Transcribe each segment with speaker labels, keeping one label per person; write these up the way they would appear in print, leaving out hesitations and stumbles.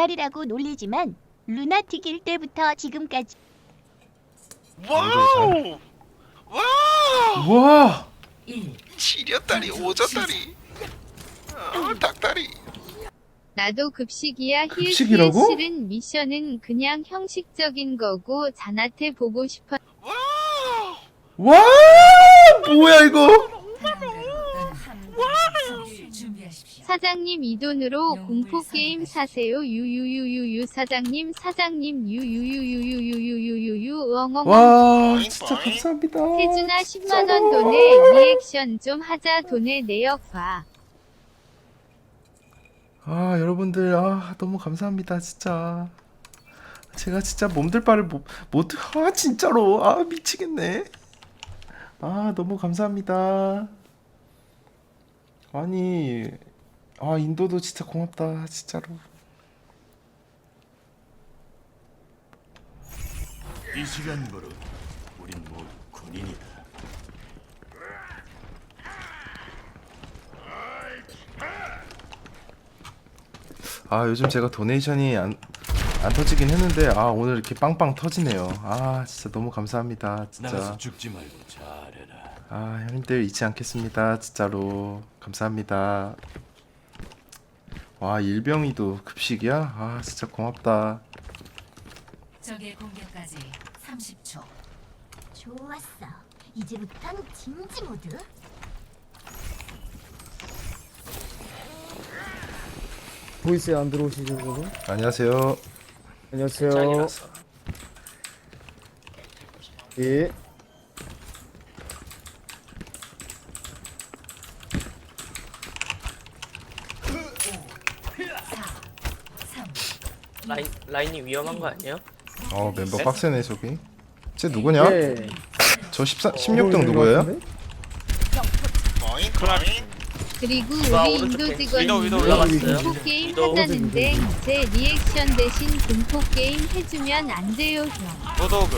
Speaker 1: 닭다리라고 놀리지만 루나틱일 때부터 지금까지
Speaker 2: 와우! 와우!
Speaker 3: 와.
Speaker 2: 치려다리, 오졌다리, 닭다리.
Speaker 4: 나도 급식이야.
Speaker 3: 급식이라고?
Speaker 4: 실은 미션은 그냥 형식적인 거고 잔한테 보고 싶어.
Speaker 2: 와우!
Speaker 3: 와. 뭐야 이거?
Speaker 4: 사장님 이 돈으로 공포 게임 사세요. 유유유유유 사장님 유유유유유유유유유유 엉엉.
Speaker 3: 와 진짜 감사합니다.
Speaker 4: 태준아 10만
Speaker 3: 진짜로.
Speaker 4: 원 돈에 리액션 좀 하자. 돈에 내역 봐.
Speaker 3: 아 여러분들 너무 감사합니다 진짜. 제가 진짜 몸둘 바를 못 진짜로 미치겠네. 너무 감사합니다. 아니 인도도 진짜 고맙다 진짜로.
Speaker 5: 이 시간부로 우린 모두 군인이다.
Speaker 3: 요즘 제가 도네이션이 안 터지긴 했는데 오늘 이렇게 빵빵 터지네요. 진짜 너무 감사합니다 진짜.
Speaker 5: 나가서 죽지 말고 잘해라.
Speaker 3: 형님들 잊지 않겠습니다 진짜로. 감사합니다. 와 일병이도 급식이야? 진짜 고맙다.
Speaker 6: 적의 공격까지 30초.
Speaker 1: 좋았어. 이제부턴 진지 모드.
Speaker 7: 보이스에 안 들어오시죠, 여러분?
Speaker 3: 안녕하세요.
Speaker 7: 안녕하세요. 예.
Speaker 8: 라인이 위험한 거 아니에요?
Speaker 3: 멤버 빡세네 저기. 쟤 누구냐?
Speaker 7: 예.
Speaker 3: 저 16등 누구예요?
Speaker 2: 어잉, 어잉.
Speaker 4: 그리고
Speaker 8: 와,
Speaker 4: 우리
Speaker 8: 오른쪽
Speaker 4: 인도
Speaker 8: 벤치.
Speaker 4: 직원이
Speaker 8: 위도 올라갔어요.
Speaker 4: 공포 게임
Speaker 8: 위도.
Speaker 4: 하자는데 제 리액션 대신 공포 게임 해주면 안 돼요 형.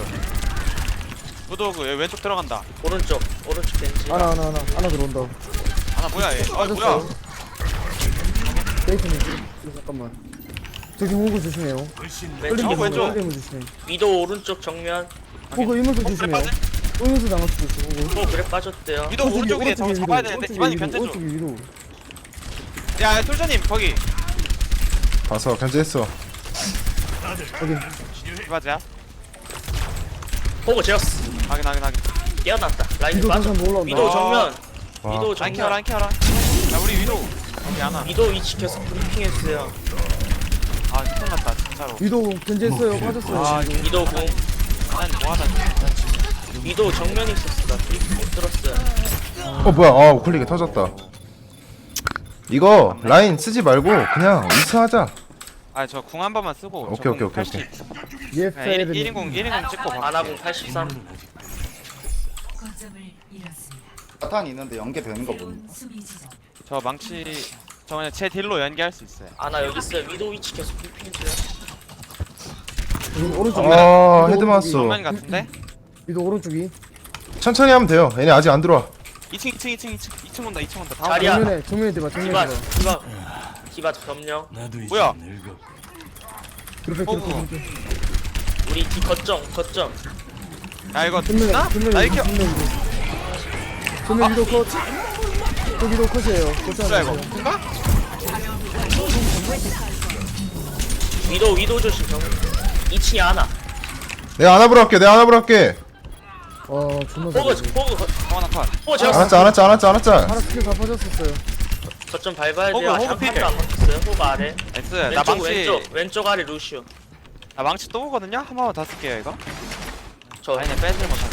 Speaker 9: 무도그 얘 왼쪽 들어간다.
Speaker 8: 오른쪽 벤치.
Speaker 7: 하나 들어온다.
Speaker 9: 하나 뭐야 얘? 뭐야?
Speaker 7: 데이트님, 잠깐만. 저기 호구 조심해요.
Speaker 8: 왼쪽
Speaker 9: 왼쪽.
Speaker 7: 홀리면 조심해.
Speaker 8: 위도 오른쪽 정면.
Speaker 7: 호구 이문서 조심해요. 이문서 당할 수도 있어, 호구.
Speaker 8: 그래 빠졌대요.
Speaker 9: 위도 오른쪽에 저거 잡아야 되는데 기반이 견제 좀.
Speaker 7: 오른쪽에 위로.
Speaker 9: 야 솔저님 거기.
Speaker 3: 봐서 견제했어.
Speaker 9: 기바지야.
Speaker 8: 보고 제어스.
Speaker 9: 확인.
Speaker 8: 깨어났다. 라인
Speaker 7: 위도
Speaker 8: 빠져.
Speaker 7: 항상 올라온다.
Speaker 8: 위도 정면.
Speaker 3: 와.
Speaker 8: 위도
Speaker 9: 라인
Speaker 8: 정면.
Speaker 9: 키워라. 야 우리 위도. 거기 하나.
Speaker 8: 위도 위치 계속 브리핑했어요.
Speaker 9: 큰일 났다 진짜로.
Speaker 7: 위도 견제했어요. 빠졌어요. 위도.
Speaker 8: 위도 공.
Speaker 9: 난 뭐하다.
Speaker 8: 위도 정면에 있었어. 나 브리핑 못 들었어요.
Speaker 3: 뭐야? 우클릭이 터졌다. 이거 라인 쓰지 말고 그냥 위스하자.
Speaker 9: 저 궁 한 번만 쓰고.
Speaker 3: 오케이.
Speaker 7: 예,
Speaker 9: 1인공 찍고 가.
Speaker 8: 아나공 83.
Speaker 6: 거점을 잃었습니다.
Speaker 10: 자탄 있는데 연계되는 거 보니
Speaker 6: 수비 지점.
Speaker 9: 저 망치. 저 그냥 제 딜로 연계할 수 있어요.
Speaker 8: 아나 여기 있어요. 위도 위치 계속 브리핑해줘요.
Speaker 7: 오른쪽.
Speaker 3: 헤드 맞았어.
Speaker 9: 정면 같은데?
Speaker 7: 위도 오른쪽이.
Speaker 3: 천천히 하면 돼요. 얘네 아직 안 들어와.
Speaker 9: 2층 온다. 다
Speaker 8: 자리야.
Speaker 9: 온다.
Speaker 7: 정면에 대봐.
Speaker 8: 디바 디바 점령.
Speaker 5: 나도 이제
Speaker 9: 뭐야?
Speaker 5: 늙었고.
Speaker 9: 호구.
Speaker 8: 우리 뒤 거점.
Speaker 9: 야 이거
Speaker 7: 정면에
Speaker 9: 나? 나 이렇게.
Speaker 7: 정면 위도 컷. 저 위도 컷이에요.
Speaker 9: 뭐야 이거?
Speaker 7: 컷.
Speaker 9: 뭔가?
Speaker 8: 위도 조심 정. 2층에 하나.
Speaker 3: 내가 안아보러 할게.
Speaker 7: 존나
Speaker 8: 포그
Speaker 7: 잘해.
Speaker 9: 하나 컷.
Speaker 8: 포그 제어스.
Speaker 3: 안았자.
Speaker 7: 하나 스킬 다 빠졌었어요.
Speaker 8: 거점 밟아야
Speaker 9: 호그,
Speaker 8: 돼요.
Speaker 9: 호그
Speaker 8: 장판도
Speaker 9: 필.
Speaker 8: 안 바뀌었어요. 호그 아래.
Speaker 9: 나이스. 나
Speaker 8: 왼쪽
Speaker 9: 망치.
Speaker 8: 왼쪽 아래 루시오.
Speaker 9: 나 망치 또 오거든요? 한 번만 더 쓸게요 이거.
Speaker 8: 저
Speaker 9: 아니 빼질 못하네.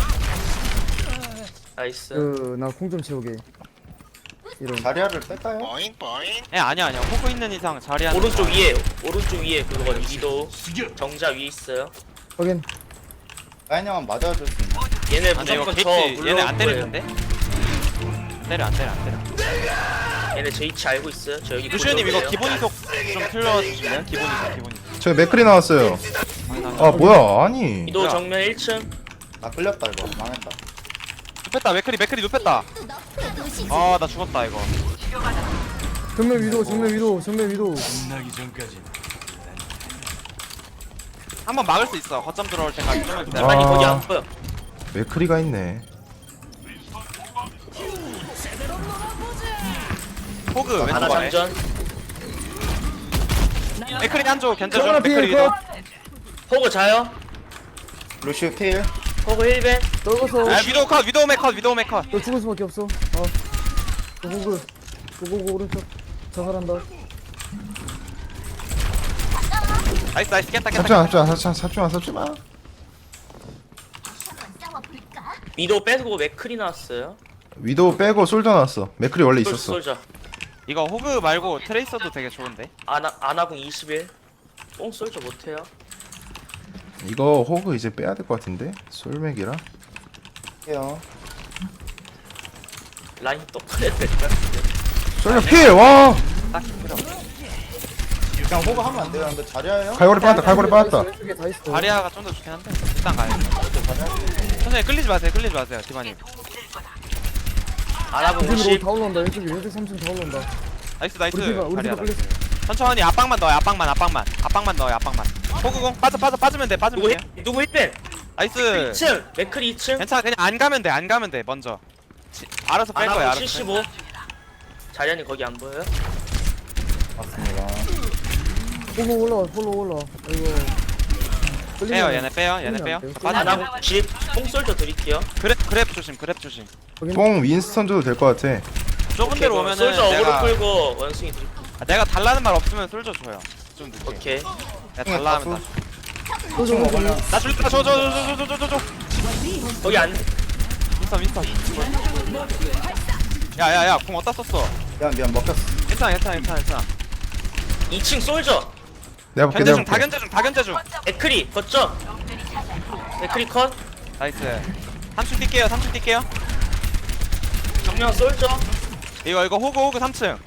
Speaker 8: 나이스.
Speaker 7: 나 콩 좀 채우게. 이런.
Speaker 10: 자리아를 뺄까요?
Speaker 2: 어잉, 어잉.
Speaker 9: 아니야. 호구 있는 이상 자리하는.
Speaker 8: 오른쪽 위에 그거 위도 정자 위에 있어요.
Speaker 7: 확인.
Speaker 10: 라인 형은 맞아줄 수 있나?
Speaker 8: 얘네
Speaker 9: 근데 이거
Speaker 8: 무조건 저
Speaker 9: 게이트 얘네 안
Speaker 8: 물러올 거예요.
Speaker 9: 때리는데? 안 때려.
Speaker 8: 얘네 제 위치 알고 있어요. 저 여기
Speaker 9: 루시오님 이거
Speaker 8: 고정이에요.
Speaker 9: 기본 이속 좀 틀어주실래요? 기본 이속.
Speaker 3: 저기 맥클이 나왔어요. 뭐야? 아니.
Speaker 8: 위도
Speaker 9: 뭐야?
Speaker 8: 정면 1층.
Speaker 10: 나 끌렸다 이거 망했다.
Speaker 9: 눕혔다. 맥크리 눕혔다. 나 죽었다 이거.
Speaker 7: 정면 위도.
Speaker 5: 끝나기 전까지
Speaker 9: 한번 막을 수 있어. 거점 들어올 때까지 좀만 기다려.
Speaker 8: 아니 거기
Speaker 3: 아.
Speaker 8: 안 보여.
Speaker 3: 맥크리가 있네.
Speaker 9: 호그
Speaker 8: 하나
Speaker 9: 왼쪽 아래.
Speaker 8: 장전.
Speaker 9: 맥크리 한조 견제 중.
Speaker 7: 정원아
Speaker 9: 맥크리
Speaker 7: 피해
Speaker 9: 위도.
Speaker 7: 컷.
Speaker 8: 호그 자요.
Speaker 10: 루시우 필.
Speaker 8: 호그 1벤.
Speaker 7: 떨궈서.
Speaker 9: 아 위도우 컷 위도우 맥 컷 위도우 맥 컷.
Speaker 7: 너 죽을 수밖에 없어. 고고고. 고고고 오른쪽. 자살한다.
Speaker 9: 나이스 나이스 깼다
Speaker 3: 삽지
Speaker 9: 깼다.
Speaker 3: 마, 삽지 마, 삽지 마.
Speaker 8: 위도 빼고 맥클이 나왔어요.
Speaker 3: 위도우 빼고 솔져 나왔어. 맥크리 원래 있었어.
Speaker 8: 솔자.
Speaker 9: 이거 호그 말고 트레이서도 되게 좋은데.
Speaker 8: 아나궁 21. 뽕 솔자 못해요.
Speaker 3: 이거 호그 이제 빼야 될 것 같은데. 솔맥이라.
Speaker 10: 해요.
Speaker 8: 라인 또 꺼내야 될것 같은데.
Speaker 3: 솔맥 필. 와.
Speaker 9: 딱히 필요 없어.
Speaker 10: 그냥 호그 하면 안 돼요. 근데 자리야요?
Speaker 3: 갈고리 빠졌다. 갈고리 빠졌다.
Speaker 7: 왼쪽에 다 있어.
Speaker 9: 다리아가 좀 더 좋긴 한데 일단 가요. 천천히 끌리지 마세요. 끌리지 마세요. 디바님.
Speaker 8: 아나궁
Speaker 7: 왼쪽으로
Speaker 8: 50.
Speaker 7: 다 올라온다. 왼쪽 3층 다 올라온다.
Speaker 9: 나이스 나이스.
Speaker 7: 우리 팀
Speaker 9: 다리아.
Speaker 7: 끌렸어.
Speaker 9: 천천히 압박만 넣어요. 압박만 넣어요. 압박만. 호그공 빠지면 돼. 빠지면
Speaker 8: 누구
Speaker 9: 돼.
Speaker 8: 힐? 누구 힐벤?
Speaker 9: 나이스.
Speaker 8: 2층. 맥클이 2층.
Speaker 9: 괜찮아. 그냥 안 가면 돼. 먼저. 알아서 뺄 거야.
Speaker 8: 아나궁
Speaker 9: 알아서.
Speaker 8: 75. 자리안이 거기 안 보여요?
Speaker 10: 맞습니다.
Speaker 7: 폴로 올라와. 이거.
Speaker 9: 빼요. 얘네 빼요. 빠져.
Speaker 8: 아나궁 90. 뽕 솔자 드릴게요.
Speaker 9: 그랩 조심.
Speaker 3: 뽕 윈스턴 줘도 될 것 같아.
Speaker 9: 좁은 데로 오면은
Speaker 8: 솔자 어그로
Speaker 9: 내가
Speaker 8: 끌고 원숭이 드릴.
Speaker 9: 내가 달라는 말 없으면 솔져 줘요. 좀 늦게.
Speaker 8: 오케이.
Speaker 9: 내가 달라 하면
Speaker 10: 총 먹으면
Speaker 9: 나 줄까? 줘.
Speaker 8: 거기 안.
Speaker 9: 윈스턴. 야야야, 공 어디다 썼어?
Speaker 10: 미안 먹혔어.
Speaker 9: 괜찮아.
Speaker 8: 2층 솔저.
Speaker 3: 내가 볼게.
Speaker 9: 다 견제 중.
Speaker 8: 맥클이 걷죠. 맥클이 컷.
Speaker 9: 나이스. 3층 뛸게요.
Speaker 8: 정면 솔저.
Speaker 9: 이거 호그 3층.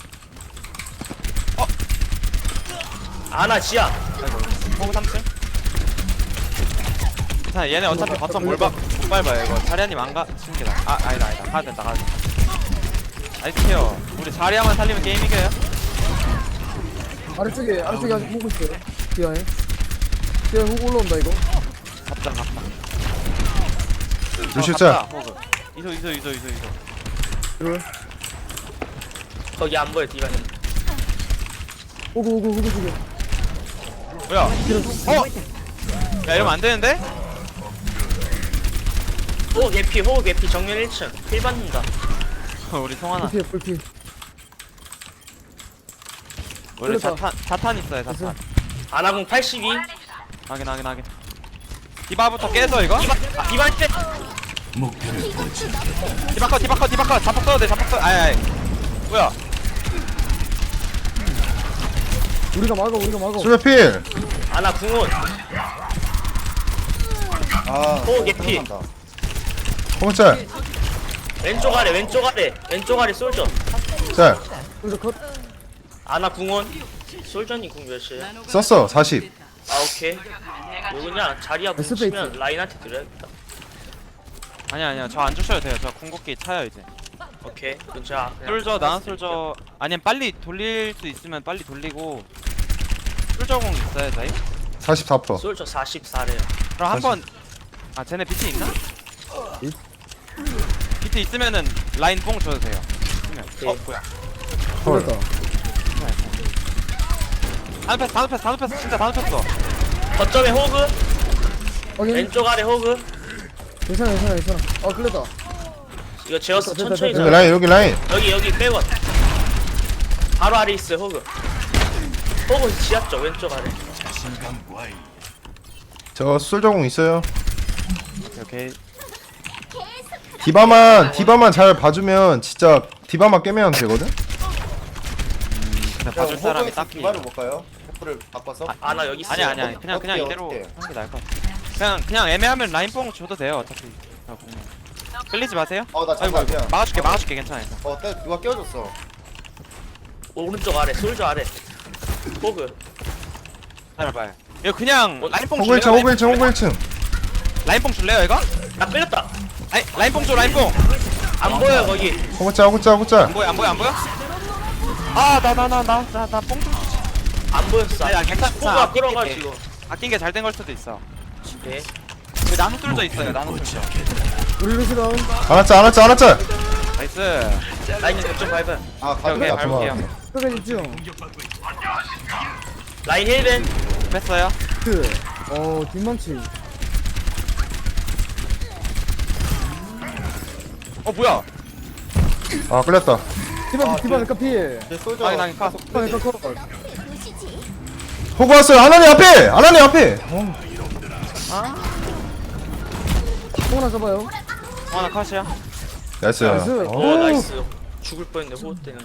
Speaker 8: 아나 지하.
Speaker 9: 호그 3층. 괜찮아. 얘네 어차피 거점 못 밟아요. 이거 자리아님 안 가시는 게 나아. 아니다. 가야 된다. 나이스 케어. 우리 자리아만 살리면 게임 이겨요.
Speaker 7: 아래쪽에 아직 보고 있어요. 뒤에 훅 올라온다 이거.
Speaker 9: 갑다.
Speaker 3: 루시우 짤.
Speaker 9: 호그. 이소.
Speaker 7: 이걸.
Speaker 8: 거기 안 보여 디바님.
Speaker 7: 오고 죽여.
Speaker 9: 뭐야? 야 이러면 안 되는데?
Speaker 8: 호그 개피 정면 1층. 힐 받는다.
Speaker 9: 우리 송하나.
Speaker 7: 불피.
Speaker 9: 원래
Speaker 7: 그렇다.
Speaker 9: 자탄 있어요. 자탄.
Speaker 8: 아나궁 82.
Speaker 9: 확인. 디바부터 깨서 이거?
Speaker 8: 디바 때.
Speaker 5: 목표를 보지.
Speaker 9: 디바컷. 자폭 써도 돼. 아이. 뭐야?
Speaker 7: 우리가 막아.
Speaker 3: 솔맥 필.
Speaker 8: 아나 궁원. 호그 개피.
Speaker 10: 생각난다.
Speaker 3: 호그 짤.
Speaker 8: 왼쪽 아래 솔저.
Speaker 3: 짤.
Speaker 7: 우리가 컷.
Speaker 8: 아나 궁원. 솔저님 궁 몇이에요?
Speaker 3: 썼어. 40.
Speaker 8: 아 오케이. 이거 그냥 자리야 붙이면 라인한테 드려야겠다.
Speaker 9: 아니야. 저 안 주셔도 돼요. 저 궁극기 차요 이제.
Speaker 8: 오케이. 그럼 제가 그냥
Speaker 9: 솔저 나는 솔저. 아니면 빨리 돌릴 수 있으면 빨리 돌리고. 솔저공 있어요 저희?
Speaker 3: 44%.
Speaker 8: 솔저 44래요.
Speaker 9: 그럼 한번. 아 쟤네 비트 있나? 비트 있으면은 라인 뽕 줘도 돼요. 있으면.
Speaker 8: 오케이.
Speaker 9: 뭐야?
Speaker 3: 헐.
Speaker 9: 다 눕혔어. 진짜 다 눕혔어.
Speaker 8: 거점에 호그.
Speaker 7: 확인.
Speaker 8: 왼쪽 아래 호그.
Speaker 7: 괜찮아. 아 끌렸다.
Speaker 8: 이거 제어스
Speaker 7: 됐다,
Speaker 8: 천천히
Speaker 7: 됐다.
Speaker 8: 잡아.
Speaker 3: 여기 라인.
Speaker 8: 여기 백원. 바로 아래 있어요 호그. 호그 지하 쪽 왼쪽 아래.
Speaker 5: 자신감 과잉.
Speaker 3: 저 솔저공 있어요.
Speaker 9: 오케이.
Speaker 3: 디바만 잘 봐주면 진짜 디바만 깨면 되거든.
Speaker 9: 근데 봐줄 사람이 딱히.
Speaker 10: 디바를 볼까요? 호프를 바꿔서.
Speaker 8: 아나 여기 있어요.
Speaker 9: 아니야. 그냥
Speaker 10: 어떻게,
Speaker 9: 이대로
Speaker 10: 어떻게?
Speaker 9: 하는 게 나을 것 같아. 그냥 애매하면 라인 뽕 줘도 돼요. 어차피. 끌리지 마세요.
Speaker 10: 나
Speaker 9: 아이고
Speaker 10: 잠깐.
Speaker 9: 막아줄게. 괜찮아요.
Speaker 10: 누가 끼워줬어.
Speaker 8: 오른쪽 아래 솔저 아래. 호그.
Speaker 9: 기다려봐요. 이거 그냥 라인 뽕
Speaker 3: 호그
Speaker 9: 줄래요?
Speaker 3: 1층, 호그 1층.
Speaker 9: 라인 뽕 줄래요 이거?
Speaker 8: 나 끌렸다.
Speaker 9: 라인 뽕 줘. 라인 뽕.
Speaker 8: 안 보여 거기.
Speaker 3: 호그 짤.
Speaker 9: 안 보여? 나 뽕 좀.
Speaker 8: 안 보였어.
Speaker 9: 아니야, 괜찮아.
Speaker 8: 호그가 끌어가지고.
Speaker 9: 아낀 게 잘 된 걸 수도 있어.
Speaker 8: 네.
Speaker 9: 그 나무 뚫져 있어요. 나무 뚫져.
Speaker 7: 우리 루시 다운.
Speaker 3: 안았자.
Speaker 9: 나이스.
Speaker 8: 라인 좀 밟은.
Speaker 10: 아
Speaker 9: 오케이,
Speaker 10: 가져가.
Speaker 9: 밟을게요.
Speaker 7: 끝까지 집중.
Speaker 8: 라인 힐벤.
Speaker 9: 뺐어요.
Speaker 7: 뒷망치.
Speaker 9: 뭐야?
Speaker 3: 아 끌렸다.
Speaker 7: 디바 피해.
Speaker 10: 쏠져.
Speaker 9: 나긴 카.
Speaker 7: 디바 컷.
Speaker 3: 호구 왔어요. 하나님 앞에.
Speaker 7: 또 하나 잡아요.
Speaker 9: 하나 컷이야.
Speaker 3: 나이스.
Speaker 7: 나이스.
Speaker 8: 오 나이스. 죽을 뻔했네 호흡 때문에.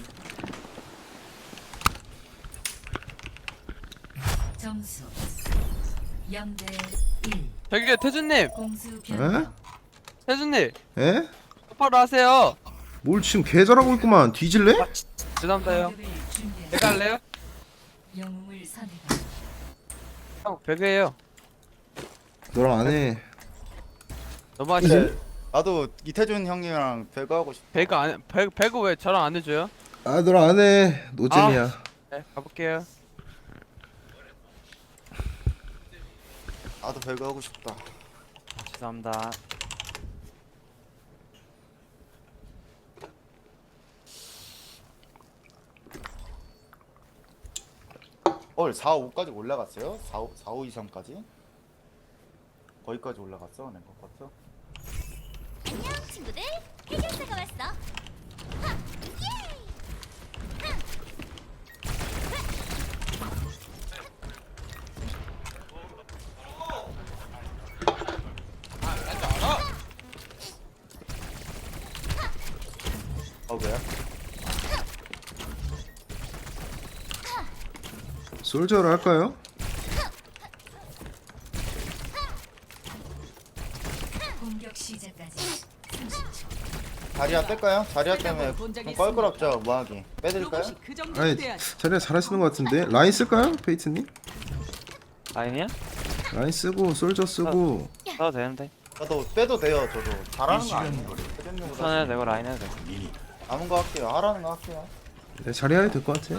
Speaker 6: 점수 0대 1.
Speaker 9: 저기 태준님.
Speaker 6: 공수 변경.
Speaker 9: 태준님.
Speaker 3: 에?
Speaker 9: 똑바로 하세요.
Speaker 3: 뭘 지금 개 잘하고 있구만. 뒤질래?
Speaker 9: 죄송합니다요.
Speaker 6: 공격을 준비하십시오.
Speaker 9: 내가 할래요?
Speaker 6: 영웅을 선택하십시오.
Speaker 9: 형 배그해요.
Speaker 3: 너랑 안 해.
Speaker 9: 너무 하시네.
Speaker 10: 나도 이태준 형이랑 배그하고 싶어.
Speaker 9: 배그 왜 저랑 안 해줘요?
Speaker 3: 아 너랑 안 해. 노잼이야.
Speaker 9: 네 가볼게요.
Speaker 10: 나도 배그하고 싶다.
Speaker 9: 죄송합니다.
Speaker 10: 헐 4, 5까지 올라갔어요? 4, 5, 2, 3까지? 거기까지 올라갔어? 랭커 커트?
Speaker 1: 안녕 친구들. 해결사가 왔어.
Speaker 10: 그래?
Speaker 3: 솔저를 할까요?
Speaker 6: 공격 시작까지 30초.
Speaker 10: 자리야 뺄까요? 자리야 때문에 좀 껄끄럽죠 뭐하기. 빼드릴까요?
Speaker 3: 아니 자리가 잘하시는 것 같은데 라인 쓸까요? 페이트님?
Speaker 9: 라인이야?
Speaker 3: 라인 쓰고 솔저 쓰고
Speaker 9: 써도 되는데.
Speaker 10: 저도 빼도 돼요 저도. 잘하는 거 아니에요.
Speaker 9: 손 해도 되고 라인 해도 돼.
Speaker 10: 남은 거 할게요. 하라는 거 할게요.
Speaker 3: 네, 자리 해야 될 것 같아요.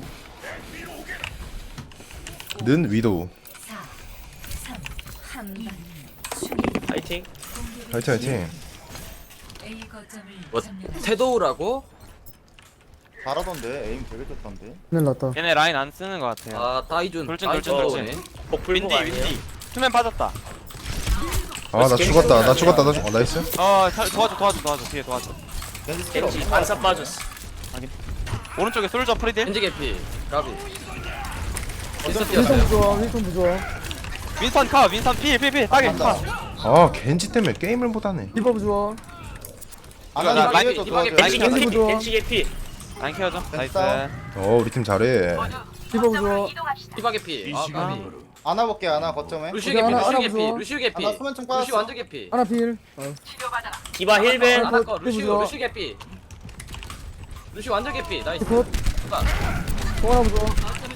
Speaker 3: 는 위도우.
Speaker 6: 4, 3, 2,
Speaker 8: 파이팅.
Speaker 3: 화이팅.
Speaker 6: A 거점을
Speaker 11: 뭐
Speaker 6: 점령하십시오.
Speaker 11: 태도우라고?
Speaker 10: 잘하던데 에임 되게 좋던데.
Speaker 7: 큰일 났다.
Speaker 9: 얘네 라인 안 쓰는 것 같아요.
Speaker 11: 아 따이준
Speaker 9: 돌진.
Speaker 11: 따이준.
Speaker 8: 윈디 윈디.
Speaker 9: 수면 빠졌다.
Speaker 3: 아 나 죽었다. 나이스.
Speaker 9: 도와줘. 뒤에 도와줘.
Speaker 10: 겐지 스킬 없어.
Speaker 8: 겐지 반사 빠졌어.
Speaker 9: 오른쪽에 솔저 프리딜.
Speaker 11: 겐지 개피. 가비.
Speaker 10: 어차피
Speaker 7: 힐통 부좋아.
Speaker 9: 윈선 카. 윈선 필. 따게 카.
Speaker 3: 아 겐지 때문에 게임을 못하네.
Speaker 7: 디바 부좋아.
Speaker 10: 아나
Speaker 11: 라인
Speaker 10: 뒤에서
Speaker 11: 디바게
Speaker 10: 도와줘요.
Speaker 8: 겐지
Speaker 11: 겐지
Speaker 8: 개피.
Speaker 7: 부좋아.
Speaker 8: 겐지 개피.
Speaker 9: 라인 케어줘. 나이스.
Speaker 3: 우리 팀 잘해.
Speaker 7: 디바 부좋아.
Speaker 11: 디바 개피. 아 가비.
Speaker 10: 안아 볼게 안아 거점에.
Speaker 11: 루시우
Speaker 7: 오케이,
Speaker 11: 개피.
Speaker 7: 하나,
Speaker 11: 루시우
Speaker 7: 하나
Speaker 11: 개피.
Speaker 7: 부숴.
Speaker 11: 루시우 개피.
Speaker 10: 하나 수면총
Speaker 11: 루시우
Speaker 10: 빠졌어.
Speaker 11: 완전 개피.
Speaker 7: 하나 필.
Speaker 8: 디바 힐벤.
Speaker 11: 하나 거.
Speaker 7: 또
Speaker 11: 루시우
Speaker 7: 부숴.
Speaker 11: 루시우 개피. 루시우 완전 개피. 나이스.
Speaker 7: 컷. 또 하나 부좋아.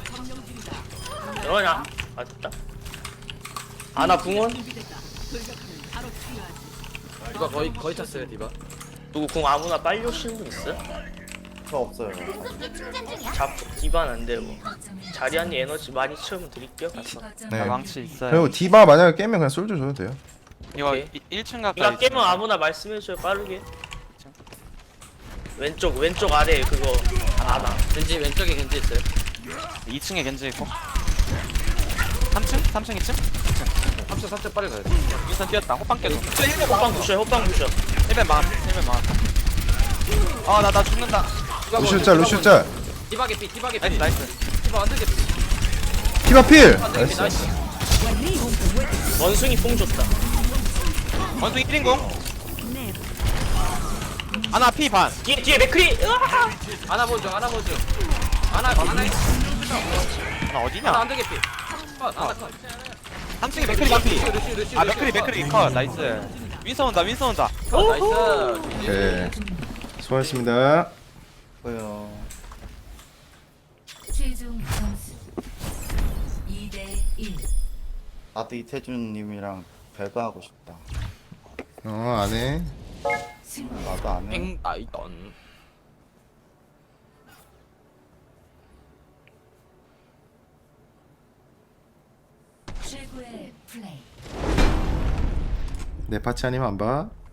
Speaker 8: 그러냐? 맞다. 아나 궁원?
Speaker 11: 디바 거의 찼어요 디바.
Speaker 8: 누구 궁 아무나 빨리 오시는 분 있어?
Speaker 10: 저 없어요.
Speaker 8: 디바는 안 되고. 자리안이 에너지 많이 채우면 드릴게요. 가서.
Speaker 3: 네.
Speaker 9: 나 망치 있어요.
Speaker 3: 그리고 디바 만약에 깨면 그냥 솔저 줘도 돼요.
Speaker 9: 이거
Speaker 8: 오케이.
Speaker 9: 1층
Speaker 8: 이거
Speaker 9: 가까이.
Speaker 8: 깨면 아무나 말씀해줘요 빠르게. 왼쪽 아래 그거 아나.
Speaker 11: 겐지 왼쪽에 겐지 있어요.
Speaker 9: 2층에 겐지 있고. 3층? 3층 2층?
Speaker 11: 3초 빨리 가야 돼.
Speaker 9: 윈선 뛰었다. 호빵 깨도.
Speaker 8: 호빵 부셔.
Speaker 9: 1벤 만. 나 죽는다.
Speaker 3: 루시우 짤.
Speaker 11: 디바 개피. 디바 개피.
Speaker 9: 나이스.
Speaker 11: 디바 완전 개피.
Speaker 3: 디바 필.
Speaker 11: 완전 개피.
Speaker 3: 나이스.
Speaker 11: 나이스.
Speaker 8: 원숭이 뽕 줬다.
Speaker 9: 원숭이 1인공. 하나 피 반.
Speaker 8: 뒤에 맥크리. 으아!
Speaker 11: 하나 보죠. 하나 있어.
Speaker 9: 하나 어디냐?
Speaker 11: 하나 완전 개피. 컷. 하나 컷.
Speaker 9: 3층에 맥크리 반피.
Speaker 11: 루시우.
Speaker 9: 아 맥크리 컷. 나이스. 윈선 온다.
Speaker 11: 나이스.
Speaker 3: 오케이. 수고하셨습니다.
Speaker 10: 뭐요.
Speaker 6: 최종 점수 2대 1.
Speaker 10: 나도 이태준님이랑 배그하고 싶다.
Speaker 3: 안 해.
Speaker 6: 승리.
Speaker 10: 나도 안 해.
Speaker 11: eng 나이던.
Speaker 6: 최종 최고의 플레이.
Speaker 3: 내 파츠 아니면 안 봐.